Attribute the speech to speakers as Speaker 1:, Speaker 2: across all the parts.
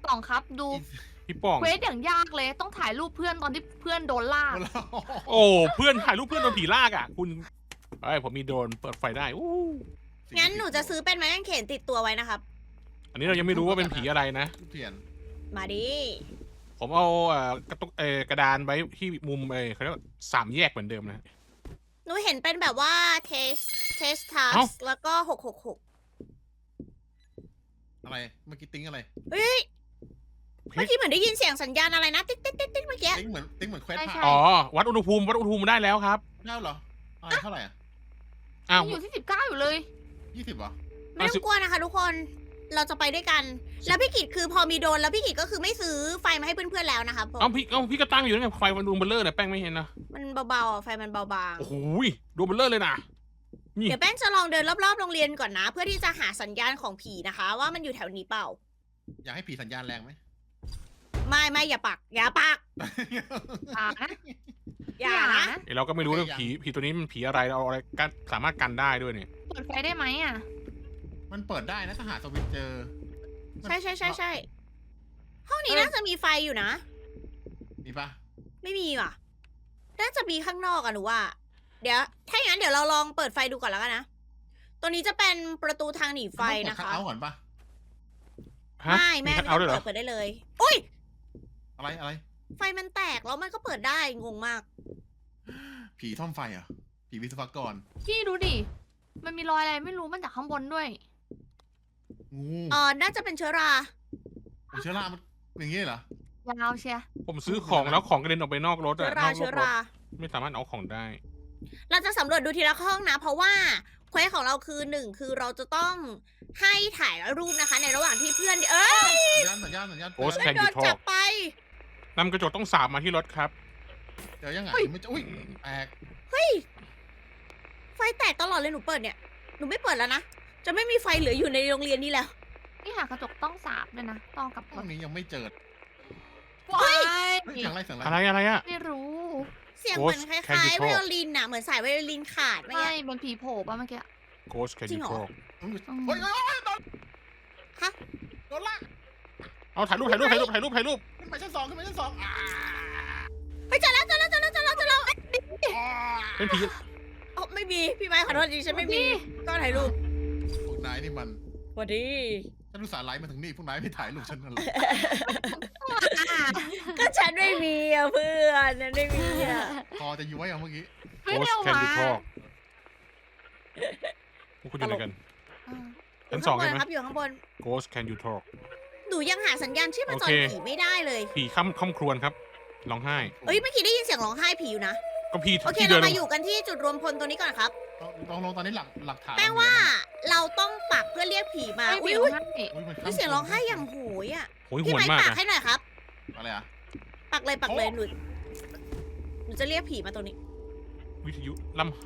Speaker 1: ป่องครับดู
Speaker 2: พี่ป้อง
Speaker 1: เควสอย่างยากเลยต้องถ่ายรูปเพื่อนตอนที่เพื่อนโดนลาก
Speaker 2: โอ้เพื่อนถ่ายรูปเพื่อนโดนผีลากอ่ะคุณเอ้ยผมมีโดรนเปิดไฟได้อู้
Speaker 3: งั้นหนูจะซื้อเป็นไม้กางเขนติดตัวไว้นะครับ
Speaker 2: อันนี้เรายังไม่รู้ว่าเป็นผีอะไรนะ
Speaker 4: เปลี่ยน
Speaker 3: มาดิ
Speaker 2: ผมเอากระตุกกระดานไว้ที่มุมเขาเรียกว่าสามแยกเหมือนเดิมนะ
Speaker 3: หนูเห็นเป็นแบบว่าเทสทัส
Speaker 2: เอ้า
Speaker 3: แล้วก็666
Speaker 4: อะไรเมื่อกี้ติ้งอะไร
Speaker 3: เฮ้ย เมื่อกี้เหมือนได้ยินเสียงสัญญาณอะไรนะติ๊กติ๊กติ๊กติ๊กเมื่อกี้
Speaker 4: ติ้งเหมือนเควส
Speaker 1: ใช่
Speaker 4: ผ่า
Speaker 1: ใช่
Speaker 2: อ๋อวัดอุณหภูมิได้แล้วครับ
Speaker 4: เท่าเหรออะไรเท่าไหร่อ่ะ
Speaker 2: อ้าว
Speaker 1: อยู่ที่19อยู่เลย
Speaker 4: 20เหรอ
Speaker 3: ไม่ต้องกลัวนะคะทุกคน เราจะไปด้วยกัน แล้วพี่กิจคือพอมีโดรนแล้วพี่กิจก็คือไม่ซื้อไฟมาให้เพื่อนๆแล้วนะคะเพราะ
Speaker 2: พี่ก็ตั้งอยู่นั่นไงไฟมันดวงเบลเลอร์เนี่ยแป้งไม่เห็นนะ
Speaker 3: มันเบาๆอ่ะไฟมันเบาบาง
Speaker 2: โอ้โหดวงเบลเลอร์เลยนะ นี่
Speaker 3: เดี๋ยวแป้งจะลองเดินรอบๆโรงเรียนก่อนนะ เพื่อที่จะหาสัญญาณของผีนะคะ ว่ามันอยู่แถวนี้เปล่า
Speaker 4: อยากให้ผีสัญญาณแรงไหม
Speaker 3: ไม่อย่าปัก อย่าปัก
Speaker 1: อ่านะ
Speaker 3: อย่านะ
Speaker 2: เดี๋ยวเราก็ไม่รู้เรื่องผีตัวนี้มันผีอะไรเราเอาอะไรกันสามารถกันได้ด้วยเนี่ย
Speaker 1: เปิดไฟได้ไหมอ่ะ
Speaker 4: มันเปิดได้นะถ้าหาสวิตช์เจอ
Speaker 3: ใช่ห้องนี้น่าจะมีไฟอยู่นะ
Speaker 4: มีปะ
Speaker 3: ไม่มีว่ะ น่าจะมีข้างนอกอะหนูว่า เดี๋ยว ถ้าอย่างนั้นเดี๋ยวเราลองเปิดไฟดูก่อนแล้วกันนะ ตัวนี้จะเป็นประตูทางหนีไฟนะคะ
Speaker 4: เอาก่อนปะ
Speaker 2: ฮะ
Speaker 3: ไม่แม่
Speaker 2: คัทเอาท์ด้วยเหรอ
Speaker 3: เปิดได้เลย อุ้ย
Speaker 4: อะไร
Speaker 3: ไฟมันแตกแล้วมันก็เปิดได้ งงมาก
Speaker 4: ผีท่อมไฟเหรอ่ะผีวิศวกร
Speaker 1: พี่ดูดิมันมีรอยอะไรไม่รู้มันจากข้างบนด้วย
Speaker 4: งู
Speaker 3: น่าจะเป็นเชื้อรา
Speaker 4: เชื้อรามันอย่างงี้เหรอ
Speaker 1: ยาวเชีย
Speaker 2: ผมซื้อของแล้วของกระเด็นออกไปนอกรถ
Speaker 3: เชื้
Speaker 2: อะ
Speaker 3: อน รา
Speaker 2: อกร
Speaker 3: เชื้อ
Speaker 2: ถ
Speaker 3: รา
Speaker 2: ไม่สามารถเอาของได้
Speaker 3: เราจะสำรวจดูทีละห้องนะ เพราะว่าเควสของเราคือหนึ่งคือเราจะต้องให้ถ่ายรูปนะคะ ในระหว่างที่เพื่อน เอ้ย
Speaker 4: สัญญาณ
Speaker 2: โอ้
Speaker 3: เพื่อนโดนจับไป
Speaker 2: นำกระจกต้องสาบมาที่รถครับ
Speaker 4: เดี๋ยวยังไงไม่อุ้ยแตก
Speaker 3: ไฟแตกตลอดเลยหนูเปิดเนี่ย หนูไม่เปิดแล้วนะ จะไม่มีไฟเหลืออยู่ในโรงเรียนนี้แล้ว
Speaker 1: นี่หากระจกต้องสาบด้วยนะต้องกลับ
Speaker 4: ห้องนี้ยังไม่เจอ
Speaker 1: ว้าย
Speaker 4: เสียงอะไร
Speaker 2: อะไรอะ
Speaker 1: ไม่รู้
Speaker 3: เสียงเหมือน
Speaker 2: Ghost
Speaker 3: คล้าย
Speaker 2: Candy
Speaker 3: ๆไวโอลินน่ะ เหมือนสายไวโอลินขาดเมื่อ
Speaker 1: ไม่
Speaker 3: กี้
Speaker 1: เป็นผีโผล่ป่ะเมื่อกี้
Speaker 2: Ghost Can
Speaker 3: จริง
Speaker 2: You
Speaker 3: เหรอ
Speaker 2: Talk
Speaker 4: เฮ้ยโดน
Speaker 3: ฮะ
Speaker 4: โดนลาก
Speaker 2: เอาถ่ายรูป
Speaker 4: ขึ้นไปชั้น 2
Speaker 3: ไปเจอแล้วเจอแล้วเจอแล้วเจอแล้วเจอแล้วเอ้ย
Speaker 2: เป็นผี
Speaker 3: อ๋อไม่มี พี่ไม้ขอโทษจริงฉันไม่มีก็ถ่ายรูป
Speaker 4: พวกนายนี่มัน
Speaker 3: สวัสดี
Speaker 4: ฉันรู้สาห์ไลฟ์มาถึงนี่พวกนายไม่ถ่ายรูปฉันนั่นหรอ
Speaker 3: ก็ฉันไม่มีอ่ะเพื่อนฉันไม่มีอ่ะ
Speaker 4: พอจะย้วยเอาเมื่อกี้
Speaker 1: เฮ้ย
Speaker 2: Ghost
Speaker 1: เร็ว
Speaker 2: Can
Speaker 1: มา
Speaker 2: You Talk พวกคุณอยู่ไหนกัน
Speaker 3: อยู่
Speaker 2: ชั้นสอง
Speaker 3: ข้างบ
Speaker 2: ใช่
Speaker 3: น
Speaker 2: ไหม
Speaker 3: ครับอยู่ข้างบน
Speaker 2: Ghost Can You Talk
Speaker 3: หนูยังหาสัญญาณชีพจร
Speaker 2: โอเค
Speaker 3: ผีไม่ได้เลย
Speaker 2: ผีค่ำครวญครับร้องไห้
Speaker 3: เอ้ยเมื่อกี้ได้ยินเสียงร้องไห้ผีอยู่นะ
Speaker 2: ก็พี่
Speaker 3: โอเค
Speaker 2: ที่เดิ
Speaker 3: เรา
Speaker 2: น
Speaker 3: มาอยู่กันที่จุดรวมพลตัวนี้ก่อนครับ
Speaker 4: ลองตอนนี้หลักฐาน
Speaker 3: แป้งว่าเราต้องปักเพื่อเรียกผีมา
Speaker 1: ไม่
Speaker 3: อุ้ย
Speaker 1: เร็ว
Speaker 3: อุ้ย
Speaker 1: ให้
Speaker 3: มีเสียงร้องไห้อย่างโหยอ่ะ
Speaker 2: โหยห
Speaker 3: พี่
Speaker 2: วน
Speaker 3: ไม้
Speaker 2: มาก
Speaker 3: ปัก
Speaker 2: อะ
Speaker 3: ให้หน่อยครับ
Speaker 4: อะไรอ่ะ
Speaker 3: ปักเลยหนูจะเรียกผีมาตรงนี้
Speaker 2: วิทยุล่ำไห้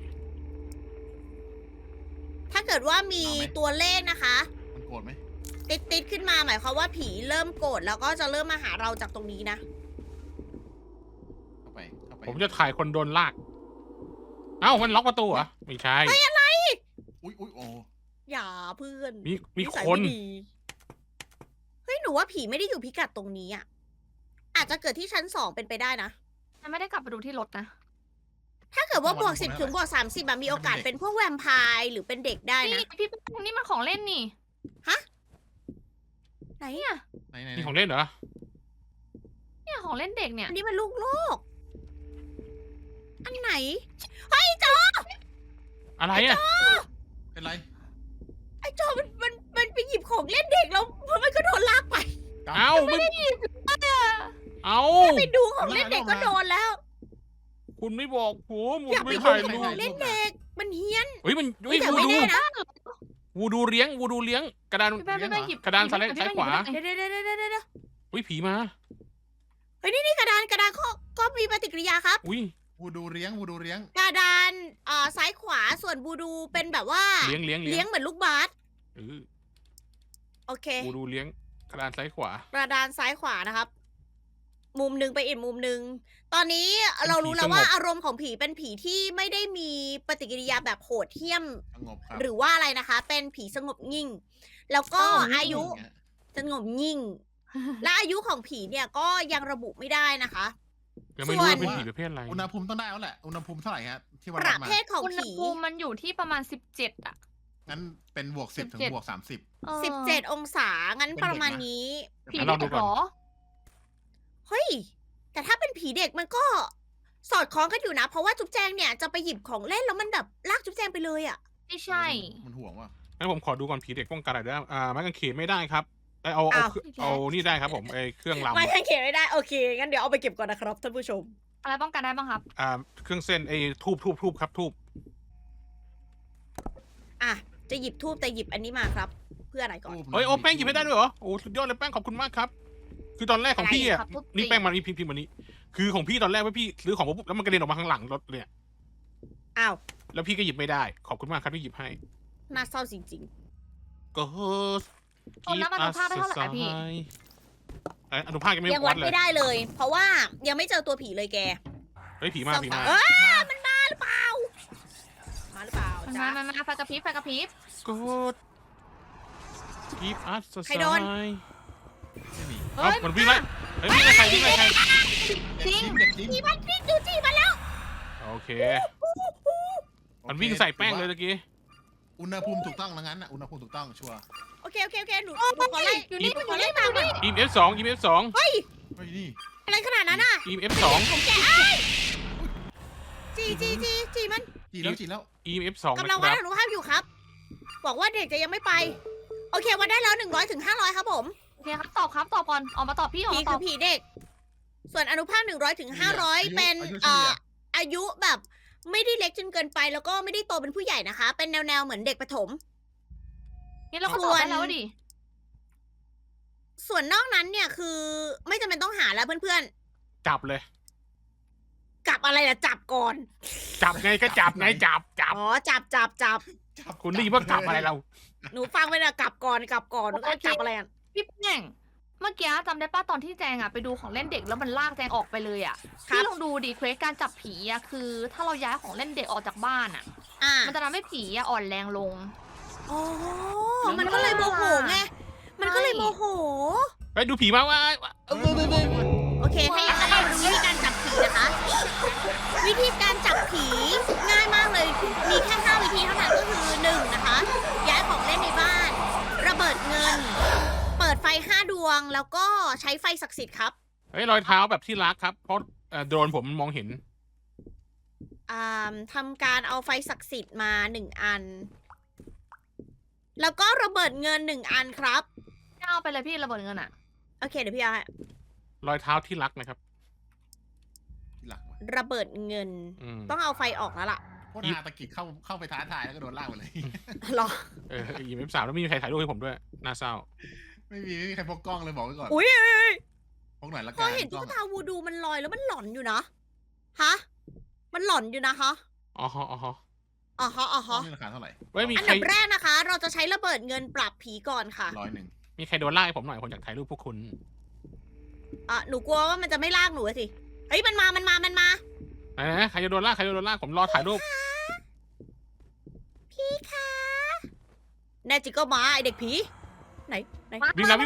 Speaker 3: ถ้าเกิดว่ามีตัวเลขนะคะ
Speaker 4: มันโกรธไหม
Speaker 3: ติดขึ้นมาหมายความว่าผีเริ่มโกรธแล้วก็จะเริ่มมาหาเราจากตรงนี้นะ
Speaker 4: เข้าไป
Speaker 2: ผมจะถ่ายคนโดนลาก เอ้ามันล็อกประตูเหรอไม่ใช่
Speaker 4: อุ้ยโอ้
Speaker 3: อย่าเพื่อน
Speaker 2: มี
Speaker 3: นิสัย
Speaker 2: คน
Speaker 3: ไม่ดีเฮ้ยหนูว่าผีไม่ได้อยู่พิกัดตรงนี้อ่ะอาจจะเกิดที่ชั้น2เป็นไปได้นะ
Speaker 1: ฉันไม่ได้กลับไปดูที่รถนะ
Speaker 3: ถ้าเกิดว่าบวก10ถึงบวก30อะมีโอกาสเป็นพวกแวมไพร์หรือเป็นเด็กได้นะ
Speaker 1: นี่พี่แป้งนี่มันของเล่นนี่
Speaker 3: ไหนอะ
Speaker 4: ไหน
Speaker 2: นี่ของเล่นเหรอ
Speaker 1: เนี่ยของเล่นเด็กเนี่ย
Speaker 3: อันนี้มันลูกโลก อันไหน
Speaker 2: อะไรอะ
Speaker 4: เป็นไร
Speaker 3: ไอ้จอมันไปหยิบของเล่นเด็กแล้วมันก็โดนลากไป
Speaker 2: เอ้าไม่เอ้า
Speaker 3: ไปดูของเล่นเด็กก็โดนแล้ว
Speaker 2: คุณไม่บอกผมผม
Speaker 3: อยากไป
Speaker 2: ไม่
Speaker 3: ดู
Speaker 2: ถ่าย
Speaker 3: ข
Speaker 2: รู
Speaker 3: อง
Speaker 2: ป
Speaker 3: เล่นเด็ก มันเฮี้ยน
Speaker 2: เฮ้ยมันเฮ้ย
Speaker 3: แต่
Speaker 2: วู
Speaker 3: ไม่
Speaker 2: ดู
Speaker 3: แน่นะ
Speaker 2: วูดูเลี้ยงกระดาน
Speaker 1: พี่แป้งพี่แป้งหยิบ
Speaker 2: กระดานซ้ายขวา
Speaker 3: เดี๋ยว
Speaker 2: อุ้ยผีมา
Speaker 3: เฮ้ยนี่กระดานก็มีปฏิกิริยาครับ
Speaker 2: อุ้ย
Speaker 4: วูดูเลี้ยง
Speaker 3: กระดานซ้ายขวาส่วนบูดูเป็นแบบว่า
Speaker 2: เลี้ยง
Speaker 3: เหมือนลูกบาส
Speaker 2: เออ
Speaker 3: โอเค
Speaker 2: วูดูเลี้ยงกระดานซ้ายขวา
Speaker 3: กระดานซ้ายขวานะครับ มุมหนึ่งไปอีกมุมหนึ่งตอนนี้
Speaker 2: เป็นผี
Speaker 3: เรารู้แล้ว
Speaker 2: สงบ
Speaker 3: ว่าอารมณ์ของผีเป็นผีที่ไม่ได้มีปฏิกิริยาแบบโหดเหี้ยม
Speaker 4: สงบครับ
Speaker 3: หรือว่าอะไรนะคะ เป็นผีสงบนิ่ง แล้วก็อายุสงบนิ่งและอายุของผีเนี่ยก็ยังระบุไม่ได้นะคะ
Speaker 2: ยังไม่รู้ว่าเป็นผีประเภทอะไร
Speaker 4: อุณหภูมิต้องได้แล้วแหละ อุณหภูมิเท่าไหร่ฮะที่วั
Speaker 3: ป
Speaker 4: ด
Speaker 3: ระ
Speaker 4: มา
Speaker 3: เภทของ
Speaker 1: อุณห
Speaker 3: ผี
Speaker 1: ภูมิมันอยู่ที่ประมาณ17อ่ะ
Speaker 4: งั้นเป็นบวก10ถึงบวก30
Speaker 1: เออ
Speaker 3: 17 องศา งั้น
Speaker 4: เป็น
Speaker 3: ป
Speaker 4: เด็กนะ
Speaker 3: ระมาณนี้
Speaker 1: ผี
Speaker 2: งั้นเราดู
Speaker 1: เด็ก
Speaker 2: ก่อน
Speaker 1: เหรอ
Speaker 3: เฮ้ย แต่ถ้าเป็นผีเด็กมันก็สอดคล้องกันอยู่นะ เพราะว่าจุ๊บแจงเนี่ยจะไปหยิบของเล่นแล้วมันแบบลากจุ๊บแจงไปเลยอะ
Speaker 1: ไม่ใช่
Speaker 4: มันห่วงว่ะ
Speaker 2: งั้นผมขอดูก่อนผีเด็กป้องกันอะไรได้ไม้กางเขนไม่ได้ครับเอา
Speaker 3: อ้าว
Speaker 2: เอานี่ได้ครับผมเครื่องลำ
Speaker 3: ไม่ให้เขียนไม่ได้ โอเค งั้นเดี๋ยวเอาไปเก็บก่อนนะครับท่านผู้ชม
Speaker 1: อะไรป้องกันได้บ้างครับ
Speaker 2: เครื่องเส้นทูบครับทูบ
Speaker 3: อ่ะ จะหยิบทูบแต่หยิบอันนี้มาครับ เพื่ออะไรก่อน
Speaker 2: เฮ้ยโอ้แป้งหยิบไม่ได้ด้วยเหรอโอ้สุดยอดเลยแป้งขอบคุณมากครับ คือตอนแรกของพี่อ่ะ
Speaker 1: อะไรครับทุบ
Speaker 2: นี่
Speaker 1: ตี
Speaker 2: แป้งมันนี่พิมพ์มันนี้คือของพี่ตอนแรกว่าพี่ซื้อของปุ๊บแล้วมันกระเด็นออกมาข้างหลังรถเลยอะ
Speaker 3: อ้าว
Speaker 2: แล้วพี่ก็หยิบไม่ได้ขอบคุณมากครับที่หยิบให้
Speaker 3: น่าเศร้าจริง
Speaker 2: ก็
Speaker 1: เอาน้ำอนุภาคได้เท่าไหร่พี่
Speaker 2: อนุภาคยัง
Speaker 3: ๆ
Speaker 2: ไม่
Speaker 3: ยัง
Speaker 2: วั
Speaker 3: วั
Speaker 2: ด
Speaker 3: ด
Speaker 2: เลย
Speaker 3: ไม่ได้เลย เพราะว่ายังไม่เจอตัวผีเลยแก
Speaker 2: เฮ้ยผีมาผีมา
Speaker 3: เอ้ยมันมาหรือเปล่า มาหรือเปล่า
Speaker 1: มัน
Speaker 3: จ๊ะ
Speaker 1: มาไฟกระพริบไฟกระพริบ
Speaker 2: ก็กีฟอัส
Speaker 3: ใครโดน
Speaker 4: ไม่มี
Speaker 2: เอ้ามันวิ่งไล่เฮ้ยวิ่งไล่ใครวิ่งไล่ใคร
Speaker 1: จริง
Speaker 4: จิ้มเด็กจิ้ม
Speaker 3: จีมันวิ่งดูจีมันแล้ว
Speaker 2: โอเค มันวิ่งใส่แป้งเลยเมื่อกี้
Speaker 4: อุณหภูมิถูกต้องแล้วงั้นอ่ะ อุณหภูมิถูกต้องชัวร์
Speaker 3: โอเคหนูขอไล่
Speaker 1: อยู่นี่
Speaker 3: ห
Speaker 1: มันอ
Speaker 3: ขอยู่ ไล่
Speaker 1: นี่
Speaker 3: ตาม
Speaker 1: มัน
Speaker 3: ห
Speaker 1: อ
Speaker 3: น่อย
Speaker 1: ยู่นี่
Speaker 2: EMF2 EMF2
Speaker 3: เฮ้ย
Speaker 4: เฮ้ยนี่
Speaker 3: อะไรขนาดนั้นอ่ะ
Speaker 2: EMF2
Speaker 3: ผมแกจีมัน
Speaker 4: จีแล้วจีแล้ว
Speaker 2: EMF2
Speaker 3: กำ
Speaker 2: นะ
Speaker 3: ลัง
Speaker 2: ค
Speaker 3: วัด
Speaker 2: รับ
Speaker 3: อนุภาพอยู่ครับบอกว่าเด็กจะยังไม่ไป โอเควัดได้แล้ว100ถึง500ครับผม
Speaker 1: โอเคครับตอบก่อนออกมาตอบพี่ออก
Speaker 3: ผี
Speaker 1: มาต
Speaker 3: คื
Speaker 1: อ
Speaker 3: อบ ผีเด็ก ส่วนอนุภาค100ถึง500เป็นอายุแบบไม่ได้เล็กจนเกินไปแล้วก็ไม่ได้โตเป็นผู้ใหญ่นะคะ เป็นแนวเหมือนเด็กประถม
Speaker 1: นี่เราก็ตอบได้แล้วดิ
Speaker 3: ส่วนนอกนั้นเนี่ยคือไม่จำเป็นต้องหาแล้วเพื่อน
Speaker 2: จับเลย
Speaker 3: ๆกลับอะไรล่ะจับก่อน
Speaker 2: จับไงก็จับไงจับ
Speaker 3: อ๋อจับ
Speaker 4: จับ
Speaker 2: คุณรีบว่ากลับอะไรเรา
Speaker 3: หนูฟังไปนะกลับก่อนแล้วก็จับอะไรอ่ะ
Speaker 1: พี่แป้งเมื่อกี้จำได้ป้าตอนที่แจงอ่ะไปดูของเล่นเด็กแล้วมันลากแจงออกไปเลยอ่ะ
Speaker 3: ครับ
Speaker 1: พี่ลองดูดิเควสการจับผีอ่ะคือ ถ้าเราย้ายของเล่นเด็กออกจากบ้านอ่ะ
Speaker 3: อ่า
Speaker 1: มันจะทำให้ผีอ่ะอ่อนแรงลง
Speaker 3: อ๋อมันก็เลยโมโหไงมันก็เลยโมโห
Speaker 2: ไปดูผีมาว่า
Speaker 3: โอเคถ้าอย่างนั้นเรามาดูวิธีการจับผีนะคะ วิธีการจับผีง่ายมากเลย มีแค่5วิธีเท่านั้นก็คือ1นะคะ ย้ายของเล่นในบ้าน ระเบิดเงิน เปิดไฟ5ดวง แล้วก็ใช้ไฟศักดิ์สิทธิ์ครับ
Speaker 2: เฮ้ยรอยเท้าแบบที่รักครับเพราะโดรนผมมองเห็น
Speaker 3: ทำการเอาไฟศักดิ์สิทธิ์มา1อัน แล้วก็ระเบิดเงิน1อันครับ
Speaker 1: เอาไปเลยพี่ระเบิดเงินอ่ะ
Speaker 3: โอเคเดี๋ยวพี่เอาให้
Speaker 2: รอยเท้าที่รักนะครับ
Speaker 4: ที่หลักว่ะ
Speaker 3: ระเบิดเงิน ต้องเอาไฟออกแล้วล่ะ
Speaker 4: โคตรฮาตะกิดเข้าไปท้าทายแล้วก็โดนลากไปเลย
Speaker 3: หรอ
Speaker 2: EMF3 แล้วไม่มีใครถ่ายรูปให้ผมด้วยน่าเศร้า
Speaker 4: ไม่มีใครพกกล้องเลยบอกไว้ก่อน
Speaker 3: อุ้ย
Speaker 4: พกหน่อยละ
Speaker 3: พ
Speaker 4: กั
Speaker 3: อน เห็น
Speaker 4: กล้
Speaker 3: ตุ๊
Speaker 4: อก ง
Speaker 3: ตาวูดูมันลอยแล้วมันหลอนอยู่นะ ฮะ มันหลอนอยู่นะคะ
Speaker 2: อ๋อฮะอ๋อฮะ
Speaker 3: อ๋อฮะอ๋อก
Speaker 4: ล้อ
Speaker 3: ฮะ
Speaker 4: งนี่ราคาเท่าไหร่
Speaker 2: ไม่มี
Speaker 3: อัน
Speaker 2: ใคร
Speaker 3: ดับแรกนะคะ เราจะใช้ระเบิดเงินปรับผีก่อนค่ะ
Speaker 4: 100
Speaker 2: มีใครโดนไล่ให้ผมหน่อยผมอยากถ่ายรูปพวกคุณ
Speaker 3: หนูกลัวว่ามันจะไม่ลากหนูอะสิ เฮ้ย มันมา
Speaker 2: นะใครจะโดนลากผมรอถ่ายรูป
Speaker 3: พี่คะแน่จริงก็มาไอเด็กผี ไหน
Speaker 2: วิ่งแล้ว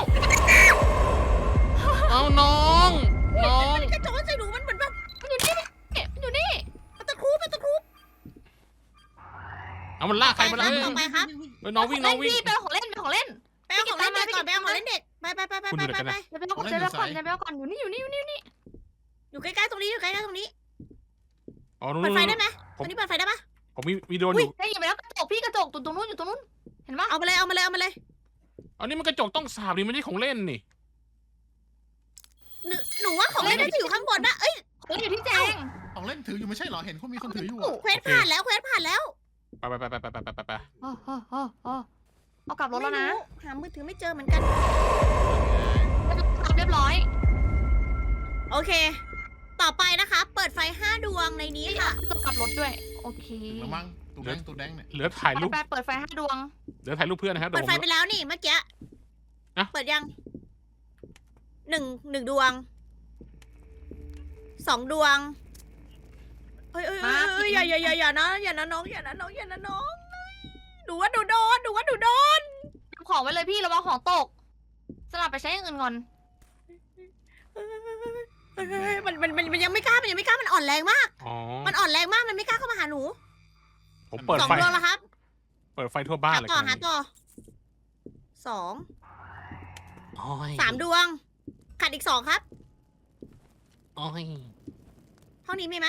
Speaker 2: เอาน้อง
Speaker 3: มันกระโจนใส่หนูมันเหมือนแบบ
Speaker 1: มันอยู่นี่
Speaker 3: มันตะครุบ
Speaker 2: เอามันลากใครมา
Speaker 3: ค
Speaker 2: แล้
Speaker 3: รั
Speaker 2: ว
Speaker 3: บต่อไปครับ
Speaker 2: น้องวิ่ง
Speaker 1: พี่ไปเอาของเล่น
Speaker 3: ไปเอาของเล่นเด็กก่อน ไปเอาของเล่นเด็ก ไป
Speaker 1: จะไปเอาก่อนอยู่นี่
Speaker 3: อยู่ใกล้ๆตรงนี้
Speaker 2: อ๋อนู้
Speaker 3: เปิดไฟได้
Speaker 2: น
Speaker 3: ไหมตรงนี้เปิดไฟได้ปะ
Speaker 2: ผมมีโดรน
Speaker 1: อุ้
Speaker 2: อย ยู่
Speaker 1: ได้ยินไปแล้วกระจกพี่กระจกตรงนู้นอยู่ตรงนู้นเห็นปะ
Speaker 3: เอามาเลย
Speaker 2: อันนี้มันกระจกต้องสาบนี่ไม่ใช่ของเล่นนี่
Speaker 3: หนูว่าของเล่นน่าจะอยู่ข้างบนนะเอ้ย
Speaker 1: เขาอยู่ที่แจง
Speaker 4: ของเล่นถืออยู่ไม่ใช่เหรอ เห็นเขามีคนถืออยู่อะ
Speaker 3: เควสผ่านแล้ว
Speaker 2: ไป
Speaker 1: เอากลับรถแล้วนะ
Speaker 3: ไม่รู้หามือถือไม่เจอเหมือนกัน
Speaker 1: เรียบร้อย
Speaker 3: โอเค ต่อไปนะคะ เปิดไฟ5ดวงในนี้
Speaker 1: นี่
Speaker 3: ค่ะ
Speaker 1: จะกลับรถด้วยโอเค
Speaker 4: แล้วมั้งตูแดงเนี่ย
Speaker 2: เหลือถ่ายรูป
Speaker 1: ไปเปิดไฟ5ดวง
Speaker 2: เพื่อนนะครับ
Speaker 3: เปิดไฟไปแล้วนี่เมื่อกี้
Speaker 2: นะ
Speaker 3: เปิดยังหนึ่งดวง2 ดวงเอ้ยอย่านะน้องหนูว่าหนูโดน
Speaker 1: ของไว้เลยพี่ระวังของตกสลับไปใช้อย่างอื่นก่อน
Speaker 3: มันยังไม่กล้ามันอ่อนแรงมาก
Speaker 2: อ๋อ
Speaker 3: มันอ่อนแรงมากมันไม่กล้าเข้ามาหาหนู
Speaker 2: ผมเปิด
Speaker 3: สอง
Speaker 2: ไฟ
Speaker 3: ดวงแล้วครับ
Speaker 2: เปิดไฟทั่วบ้านเลย
Speaker 3: หาต่อสอง
Speaker 2: โอ้ย
Speaker 3: สามดวงขาดอีก2ครับ
Speaker 2: โอ้ย
Speaker 3: ห้องนี้มีไหม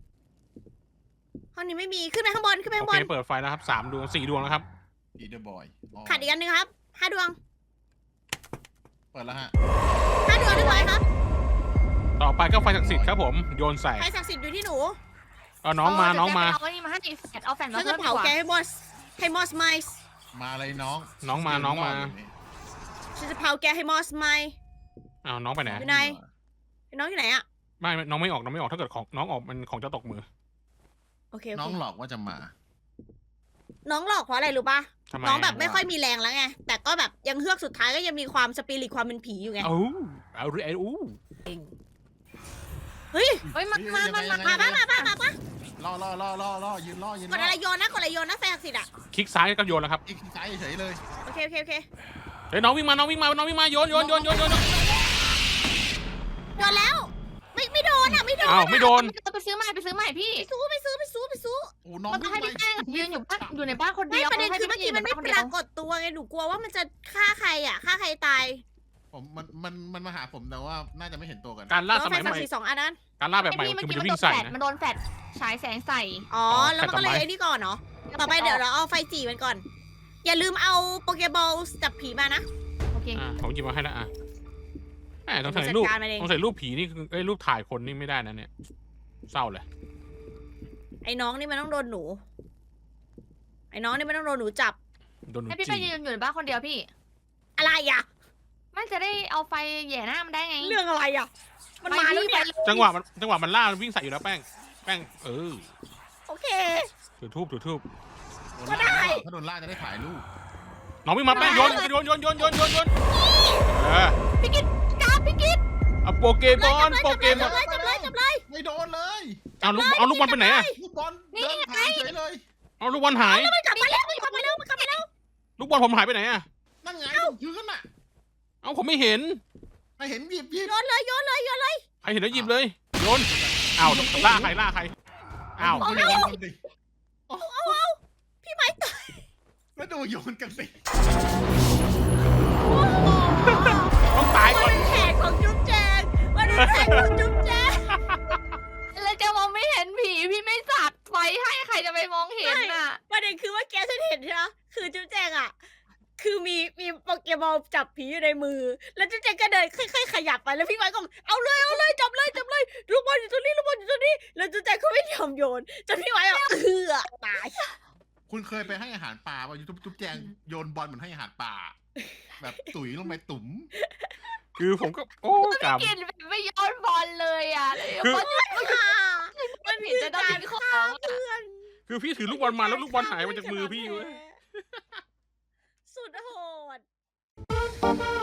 Speaker 3: ห้องนี้ไม่มีขึ้นไปข้างบน
Speaker 2: โอเคเปิดไฟแล้วครับ3 ดวง 4 ดวงแล้วครับ
Speaker 4: พีเดอร์บอย
Speaker 3: ขาดอีกอันหนึงครับ5 ดวง
Speaker 4: เปิดแล้วฮะ
Speaker 3: 5 ดวงเรียบร้อยครับ
Speaker 2: ต่อไปก็ไฟศักดิ์สิทธิ์ครับผมโยนใส่
Speaker 3: ไฟศักดิ์สิทธิ์อยู่ที่หนู
Speaker 2: เอาน้องมา
Speaker 1: เดี๋ยว
Speaker 2: น้องมา
Speaker 1: เอาไอ้นี่มาให้แฟดเอาแฟดมา
Speaker 3: ฉัน
Speaker 1: เพิ่
Speaker 3: จะ
Speaker 1: มดี
Speaker 3: เผาก
Speaker 1: ว่า
Speaker 3: แกให้มอสไมส์
Speaker 4: มาเลยน้อง
Speaker 2: น้องมาน้องมา
Speaker 3: ฉันจะเผาแกให้มอสไมส์
Speaker 2: เอาน้องไปไหน
Speaker 3: อยู่ไหน น้องอยู่ไหนอะ
Speaker 2: ไม่น้องไม่ออกน้องไม่ออกถ้าเกิดของน้องออกมันของจะตกมือ
Speaker 3: โอเค
Speaker 4: น้องหลอกว่าจะมา
Speaker 3: น้องหลอกเพราะอะไรรู้ป่ะ
Speaker 2: ทำไม
Speaker 3: น้องแบบไม่ค่อยมีแรงแล้วไงแต่ก็แบบยังเฮือกสุดท้ายก็ยังมีความสปิริตความเป็นผีอยู่ไง
Speaker 2: เอาเอาอู้
Speaker 3: เฮ้ย
Speaker 1: เฮ้ยมัน
Speaker 4: เฮ้ย
Speaker 3: มา
Speaker 4: ยังไง
Speaker 3: ปะ
Speaker 4: รอยืนรอ
Speaker 3: กดอะไรโยนนะกดอะไรโยนนะไฟศักดิ์สิทธิ์อะ
Speaker 2: คลิกซ้ายก็โยนแล้วครับ
Speaker 4: อีกใจเฉยเลย
Speaker 3: โอเคโ
Speaker 2: เฮ้ยน้องวิ่งมาโยนโยน
Speaker 3: โยนแล้ว ไม่โดนอะไม่โดน
Speaker 2: อ้าวไม่โดน
Speaker 1: ไปซื้อใหม่พี่
Speaker 3: ไปซื้อ
Speaker 4: โอ้น้อง
Speaker 1: มันต้องให้พี่แป้งยืนอยู่ในบ้านคน
Speaker 3: ไม่
Speaker 1: เดียว
Speaker 3: ประเด็น
Speaker 1: ให้
Speaker 3: คือเมื่อกี้มันไม่
Speaker 1: ค
Speaker 3: ป
Speaker 1: เดีย
Speaker 3: ราว กฏตัวไงหนูกลัวว่ามันจะฆ่าใครอ่ะฆ่าใครตาย
Speaker 4: ผมมันมาหาผมแต่ว่าน่าจะไม่เห็นตัวกัน
Speaker 2: การล่า
Speaker 3: แล้ว
Speaker 2: ส
Speaker 3: ไฟ
Speaker 2: มัยให
Speaker 3: ศัก
Speaker 2: ม่
Speaker 3: ดิ์สิทธิ์2 อันนั้น
Speaker 2: การล่าแบบใหม่
Speaker 1: พี่เมื่อ
Speaker 2: คือ
Speaker 1: กี้
Speaker 2: มัน
Speaker 1: มัน
Speaker 2: จะ
Speaker 1: โด
Speaker 2: วิ่ง
Speaker 1: น
Speaker 2: ใส่
Speaker 1: แฟด
Speaker 2: นะ
Speaker 1: มันโดนแฟดฉายแสงใส่
Speaker 3: อ๋อ
Speaker 2: อ๋อ
Speaker 3: แล้วมันก็เลย
Speaker 2: แฟลช
Speaker 3: ไอ้นี่ก่อนเนาะต่อไปเดี๋ยวเราเอาไฟจีมันก่อน อย่าลืมเอาโปเกบอลจับผีมานะ
Speaker 1: โอเค
Speaker 2: ผมหยิบมาให้แล้วต้อง
Speaker 3: จั
Speaker 2: ใส่
Speaker 3: ด
Speaker 2: รูป
Speaker 3: การมันเอง
Speaker 2: ต้องใส่รูปผีนี่คือรูปถ่ายคนนี่ไม่ได้นะเนี่ยเศร้าเลย
Speaker 3: ไอ้น้องนี่มันต้องโดนหนู ไอ้น้องนี่มันต้องโดนหนูจับ
Speaker 2: โดนหนู
Speaker 1: ให้พี่
Speaker 2: จี
Speaker 1: ไปยืนอยู่ในบ้านคนเดียวพี่
Speaker 3: อะไรอ่ะ
Speaker 1: มันจะได้เอาไฟแหย่หน้ามันได้ไง
Speaker 3: เรื่องอะไรอ่ะ มันมาแล้วเนี่ย
Speaker 2: จังหวะมันล่ามันวิ่งใส่อยู่แล้วแป้ง
Speaker 3: โอเค
Speaker 2: ถือทูบ
Speaker 3: ก็ได้
Speaker 4: ถ้าโดนล่าจะได้ถ่ายรูป
Speaker 2: น้องวิ่งมาแป้งโยน
Speaker 1: พี่กิตกราบพี่กิต
Speaker 2: เอาโปเกมอน
Speaker 3: จับเลย
Speaker 4: ไม่โดนเลย
Speaker 2: เอาลูกบอลไปไหนอะ
Speaker 4: ลูกบอลเดินผ่านเฉยเลย
Speaker 2: เอาลูกบอลหาย
Speaker 3: มันกลับมาแล้ว
Speaker 2: ลูกบอลผมหายไปไหนอะ
Speaker 4: นั่นไงพื้นน่ะ
Speaker 2: เอาผมไม่เห็น
Speaker 4: ไม่เห็นหยิบ
Speaker 3: โยนเลย
Speaker 2: ใครเห็นแล้วหยิบเลยโยนอ้าวล่าใครอ้าว
Speaker 4: โยนกันดิ
Speaker 3: พี่ไม้ตาย
Speaker 4: แล้วดูโยนกันสิ
Speaker 2: ต้องตายก่อน
Speaker 3: มันเป็นแขกของจุ๊บแจง
Speaker 1: เลยจะมองไม่เห็นผีพี่ไม่สัดไฟให้ใครจะไปมองเห็นน่ะ
Speaker 3: ประเด็นคือว่าแกฉันเห็นใช่ไหมคือจุ๊บแจงอ่ะ คือมีโปเกมอลจับผีอยู่ในมือ แล้วจุ๊บแจงก็เดินค่อยๆขยับไปแล้วพี่ไม้ก็เอาเลยจับเลยลูกบอลอยู่ตรงนี้แล้วจุ๊บแจงก็ไม่ยอมโยนจนพี่ไม้แบบตาย
Speaker 4: คุณเคยไปให้อาหารปลาป่ะจุ๊บแจงโยนบอลเหมือนให้อาหารปลาแบบตุ๋ยลงไปตุ๋ม
Speaker 2: คือผมก็โอ้กรรม
Speaker 1: กินแบบไม่ย้อนบอลเลยอ่ะเลย
Speaker 2: คือ
Speaker 1: มันผิดจะต้องกินของ
Speaker 3: เพื่อน
Speaker 2: คือพี่ถือลูกบอลมาแล้วลูกบอลหายมาจากมือพี่เว้ย
Speaker 3: สุดโหด